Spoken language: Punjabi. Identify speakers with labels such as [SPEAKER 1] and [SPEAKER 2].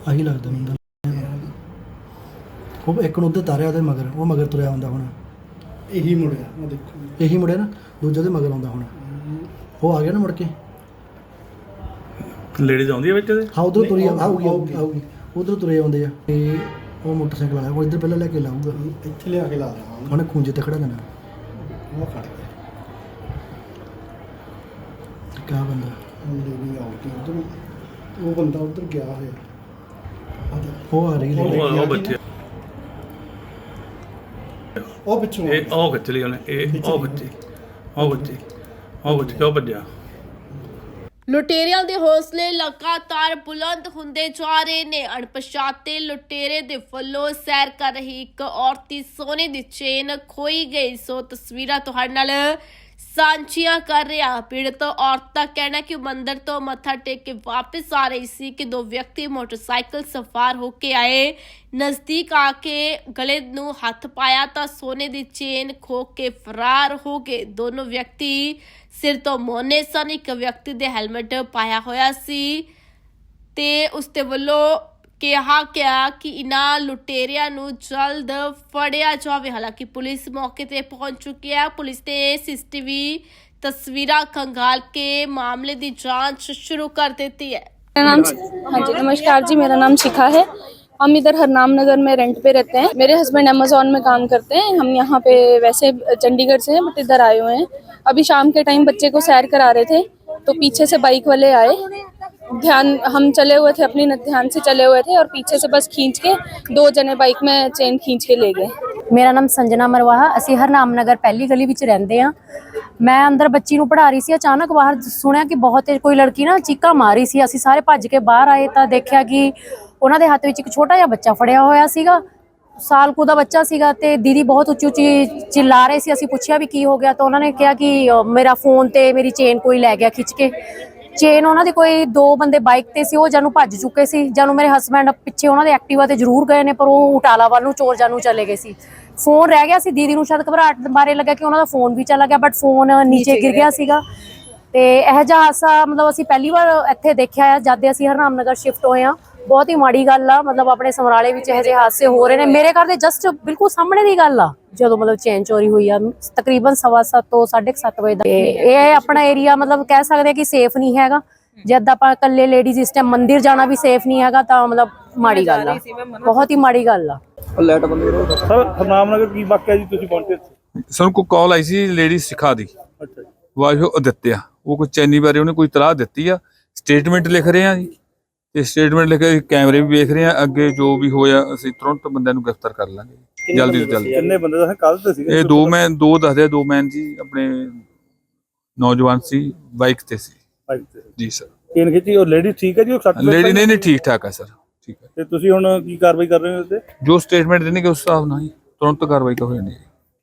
[SPEAKER 1] ਆਹੀ ਲੱਗਦਾ ਮੈਨੂੰ ਉਹ ਇੱਕ ਨੂੰ ਉੱਧਰ ਤਾਰਿਆ ਉਹਦੇ ਮਗਰ, ਉਹ ਮਗਰ ਤੁਰਿਆ ਆਉਂਦਾ ਹੁਣ।
[SPEAKER 2] ਇਹੀ ਮੁੜਿਆ, ਉਹ ਦੇਖੋ
[SPEAKER 1] ਇਹੀ ਮੁੜਿਆ ਨਾ, ਦੂਜੇ ਦੇ ਮਗਰ ਆਉਂਦਾ ਹੁਣ। ਉਹ ਆ ਗਿਆ ਨਾ ਮੁੜ ਕੇ।
[SPEAKER 3] ਲੇਡੀਜ਼ ਆਉਂਦੀ ਹੈ ਵਿੱਚ ਇਹਦੇ?
[SPEAKER 1] ਹਾਂ ਉਧਰੋਂ ਤੁਰੀ ਆਊਗੀ ਉਧਰੋਂ ਤੁਰੇ ਆਉਂਦੇ ਆ। ਤੇ ਉਹ ਮੋਟਰਸਾਈਕਲ ਆਇਆ, ਉਹ ਇੱਧਰ ਪਹਿਲਾਂ ਲੈ ਕੇ ਲਾਊਗਾ,
[SPEAKER 2] ਇੱਥੇ ਲਿਆ ਕੇ ਲਾ ਦੇਣਾ
[SPEAKER 1] ਉਹਨੇ ਖੂੰਜੇ ਤੇ ਖੜਾ ਦੇਣਾ।
[SPEAKER 2] ਉਹ ਖੜ ਗਿਆ
[SPEAKER 1] ਕਿਆ ਬੰਦਾ
[SPEAKER 2] ਲੇਡੀ ਆਉਗੀ ਉਧਰ, ਉਹ ਬੰਦਾ ਉਧਰ ਗਿਆ ਹੋਇਆ।
[SPEAKER 1] ਉਹ ਆ ਰਹੀ ਲੇਡੀ।
[SPEAKER 3] ਉਹ ਬੱਚੇ
[SPEAKER 2] ਉਹ ਪਿੱਛੋਂ
[SPEAKER 3] ਇਹ ਉਹ ਖਿੱਚ ਲਈ ਉਹਨੇ, ਇਹ ਉਹ ਬੱਚੇ ਕਿਉਂ ਭੱਜਿਆ?
[SPEAKER 4] ਲੁਟੇਰਿਆਂ ਦੇ ਹੌਸਲੇ ਲਗਾਤਾਰ ਬੁਲੰਦ ਹੁੰਦੇ ਜਾ ਰਹੇ ਨੇ। ਅਣਪਛਾਤੇ ਲੁਟੇਰੇ ਦੇ ਵੱਲੋਂ ਸੈਰ ਕਰ ਰਹੀ ਇੱਕ ਔਰਤ ਦੀ ਸੋਨੇ ਦੀ ਚੇਨ ਖੋਈ ਗਈ। ਸੋ ਤਸਵੀਰਾਂ ਤੁਹਾਡੇ ਨਾਲ ਸਾਂਝੀਆਂ ਕਰ ਰਿਹਾ। ਪੀੜਤ ਔਰਤ ਦਾ ਕਹਿਣਾ ਕਿ ਉਹ ਮੰਦਿਰ ਤੋਂ ਮੱਥਾ ਟੇਕ ਕੇ ਵਾਪਸ ਆ ਰਹੀ ਸੀ ਕਿ ਦੋ ਵਿਅਕਤੀ ਮੋਟਰਸਾਈਕਲ ਸਵਾਰ ਹੋ ਕੇ ਆਏ। ਨਜ਼ਦੀਕ ਆ ਕੇ ਗਲੇ ਨੂੰ ਹੱਥ ਪਾਇਆ ਤਾਂ ਸੋਨੇ ਦੀ ਚੇਨ ਖੋ ਕੇ ਫਰਾਰ ਹੋ ਗਏ। ਦੋਨੋਂ ਵਿਅਕਤੀ ਸਿਰ ਤੋਂ ਮੋਨੇ ਸਨ। ਇੱਕ ਵਿਅਕਤੀ ਦੇ ਹੈਲਮਟ ਪਾਇਆ ਹੋਇਆ ਸੀ ਤੇ ਉਸ ਦੇ ਵੱਲੋਂ ਕਿਹਾ ਗਿਆ ਕਿ ਇਨ੍ਹਾਂ ਲੁਟੇਰਿਆਂ ਨੂੰ ਜਲਦ ਫੜਿਆ ਜਾਵੇ। ਹਾਲਾਂਕਿ ਪੁਲਿਸ ਮੌਕੇ ਤੇ ਪਹੁੰਚ ਚੁੱਕੀ ਹੈ। ਪੁਲਿਸ ਨੇ ਸੀਸੀਟੀਵੀ ਤਸਵੀਰਾਂ खंगाल के मामले की जांच शुरू कर देती है।
[SPEAKER 5] मेरा नाम, हाँ जी नमस्कार जी, मेरा नाम शिखा है। हम इधर हरनाम नगर में रेंट पे रहते हैं। मेरे हस्बैंड अमेजोन में काम करते हैं। हम यहाँ पे वैसे चंडीगढ़ से हैं बट इधर आए हुए हैं। अभी शाम के टाइम बच्चे को सैर करा रहे थे तो पीछे से बाइक वाले आए। ध्यान हम चले हुए थे, अपनी ध्यान से चले हुए थे और पीछे से बस खींच के दो जने बाइक में चेन खींच के ले गए।
[SPEAKER 6] मेरा नाम संजना मरवाहा, ਅਸੀਂ ਹਰਨਾਮ ਨਗਰ ਪਹਿਲੀ ਗਲੀ ਵਿੱਚ ਰਹਿੰਦੇ ਆ। ਮੈਂ ਅੰਦਰ ਬੱਚੀ ਨੂੰ ਪੜ੍ਹਾ ਰਹੀ ਸੀ, ਅਚਾਨਕ ਬਾਹਰ ਸੁਣਿਆ ਕਿ ਬਹੁਤ ਕੋਈ ਲੜਕੀ ਨਾ ਚੀਕਾਂ ਮਾਰ ਰਹੀ ਸੀ। ਅਸੀਂ ਸਾਰੇ ਭੱਜ ਕੇ ਬਾਹਰ ਆਏ ਤਾਂ ਦੇਖਿਆ ਕਿ ਉਹਨਾਂ ਦੇ ਹੱਥ ਵਿੱਚ ਇੱਕ ਛੋਟਾ ਜਿਹਾ ਬੱਚਾ ਫੜਿਆ ਹੋਇਆ ਸੀਗਾ। ਸਾਲ ਕੁ ਦਾ ਬੱਚਾ ਸੀਗਾ ਤੇ ਦੀਦੀ ਬਹੁਤ ਉੱਚੀ ਉੱਚੀ ਚਿल्ला ਰਹੇ ਸੀ। ਅਸੀਂ ਪੁੱਛਿਆ ਵੀ ਕੀ ਹੋ ਗਿਆ ਤਾਂ ਉਹਨਾਂ ਨੇ ਕਿਹਾ ਕਿ ਮੇਰਾ ਫੋਨ ਤੇ ਮੇਰੀ ਚੇਨ ਕੋਈ ਲੈ ਗਿਆ ਖਿੱਚ ਕੇ। ਚੇਨ ਉਹਨਾਂ ਦੀ ਕੋਈ ਦੋ ਬੰਦੇ ਬਾਈਕ ਤੇ ਸੀ, ਉਹ ਜਾਨੂੰ ਭੱਜ ਚੁੱਕੇ ਸੀ। ਜਾਨੂੰ ਮੇਰੇ ਹਸਬੈਂਡ ਪਿੱਛੇ ਉਹਨਾਂ ਦੇ ਐਕਟਿਵਾ ਤੇ ਜ਼ਰੂਰ ਗਏ ਨੇ ਪਰ ਉਹ ਉਟਾਲਾ ਵੱਲ ਨੂੰ ਚੋਰ ਜਾਨੂੰ ਚਲੇ ਗਏ ਸੀ। ਫੋਨ ਰਹਿ ਗਿਆ ਸੀ। ਦੀਦੀ ਨੂੰ ਸ਼ਾਇਦ ਘਬਰਾਹਟ ਬਾਰੇ ਲੱਗਾ ਕਿ ਉਹਨਾਂ ਦਾ ਫੋਨ ਵੀ ਚਲਾ ਗਿਆ ਬਟ ਫੋਨ ਨੀਚੇ ਗਿਰ ਗਿਆ ਸੀਗਾ। ਤੇ ਇਹ ਜਿਹਾ ਹਾਦਸਾ ਮਤਲਬ ਅਸੀਂ ਪਹਿਲੀ ਵਾਰ ਇੱਥੇ ਦੇਖਿਆ ਹੈ ਜਦ ਅਸੀਂ ਹਰਨਾਮ ਨਗਰ ਸ਼ਿਫਟ ਹੋਏ ਹਾਂ। ਬਹੁਤ ਹੀ ਮਾੜੀ ਗੱਲ ਆ। ਮਤਲਬ ਆਪਣੇ ਸਮਰਾਲੇ ਵਿੱਚ ਇਹੋ ਜਿਹੇ ਹਾਦਸੇ ਹੋ ਰਹੇ ਨੇ। ਮੇਰੇ ਘਰ ਦੇ ਜਸਟ ਬਿਲਕੁਲ ਸਾਹਮਣੇ ਦੀ ਗੱਲ ਆ ਜਦੋਂ ਮਤਲਬ ਚੇਨ ਚੋਰੀ ਹੋਈ ਆ ਤਕਰੀਬਨ 7:15 ਤੋਂ 7:30 ਵਜੇ ਦਾ। ਇਹ ਆਪਣਾ ਏਰੀਆ ਮਤਲਬ ਕਹਿ ਸਕਦੇ ਕਿ ਸੇਫ ਨਹੀਂ ਹੈਗਾ। ਜਦ ਆਪਾਂ ਇਕੱਲੇ ਲੇਡੀਜ਼ ਇਸ ਟਾਈਮ ਮੰਦਿਰ ਜਾਣਾ ਵੀ ਸੇਫ ਨਹੀਂ ਹੈਗਾ ਤਾਂ ਮਤਲਬ ਮਾੜੀ ਗੱਲ ਆ, ਬਹੁਤ ਹੀ ਮਾੜੀ ਗੱਲ ਆ।
[SPEAKER 3] ਸਰ ਹਰਨਾਮ ਨਗਰ ਕੀ ਵਾਕਿਆ ਜੀ ਤੁਸੀਂ ਪਹੁੰਚੇ?
[SPEAKER 7] ਸਾਨੂੰ ਕੋਈ ਕਾਲ ਆਈ ਸੀ ਲੇਡੀ ਸਿਖਾ ਦੀ।
[SPEAKER 3] ਅੱਛਾ ਜੀ।
[SPEAKER 7] ਵਾਹਿਓ ਅਦਿੱਤਿਆ, ਉਹ ਕੋਈ ਚੈਨੀ ਬਾਰੇ ਉਹਨੇ ਕੋਈ ਤਲਾਹ ਦਿੱਤੀ ਆ। ਸਟੇਟਮੈਂਟ ਲਿਖ ਰਹੇ ਆ ਜੀ ਤੇ ਸਟੇਟਮੈਂਟ ਲਿਖ ਕੇ ਕੈਮਰੇ ਵੀ ਵੇਖ ਰਹੇ ਆ। ਅੱਗੇ ਜੋ ਵੀ ਹੋਇਆ ਅਸੀਂ ਤੁਰੰਤ ਬੰਦਿਆਂ ਨੂੰ ਗ੍ਰਿਫਤਾਰ ਕਰ ਲਾਂਗੇ ਜਲਦੀ ਤੋਂ ਜਲਦੀ।
[SPEAKER 3] ਕਿੰਨੇ ਬੰਦੇ ਦਾ ਕੱਲ ਤੇ ਸੀਗੇ?
[SPEAKER 7] ਇਹ ਦੋ ਦੱਸਦੇ, ਦੋ ਮੈਨ ਜੀ ਆਪਣੇ ਨੌਜਵਾਨ ਸੀ, ਬਾਈਕ ਤੇ ਸੀ ਜੀ ਸਰ।
[SPEAKER 3] ਚੇਨ ਖਿੱਚੀ ਉਹ ਲੇਡੀ ਠੀਕ ਹੈ ਜੀ? ਉਹ
[SPEAKER 7] ਲੇਡੀ ਨਹੀਂ ਠੀਕ ਠਾਕ ਹੈ ਸਰ, ਠੀਕ ਹੈ।
[SPEAKER 3] ਤੇ ਤੁਸੀਂ ਹੁਣ ਕੀ ਕਾਰਵਾਈ ਕਰ ਰਹੇ ਹੋ?
[SPEAKER 7] ਜੋ ਸਟੇਟਮੈਂਟ ਦੇਣਗੇ ਉਸ ਹਿਸਾਬ ਨਾਲ ਹੀ ਤੁਰੰਤ ਕਾਰਵਾਈ ਹੋ ਜਾਣੀ।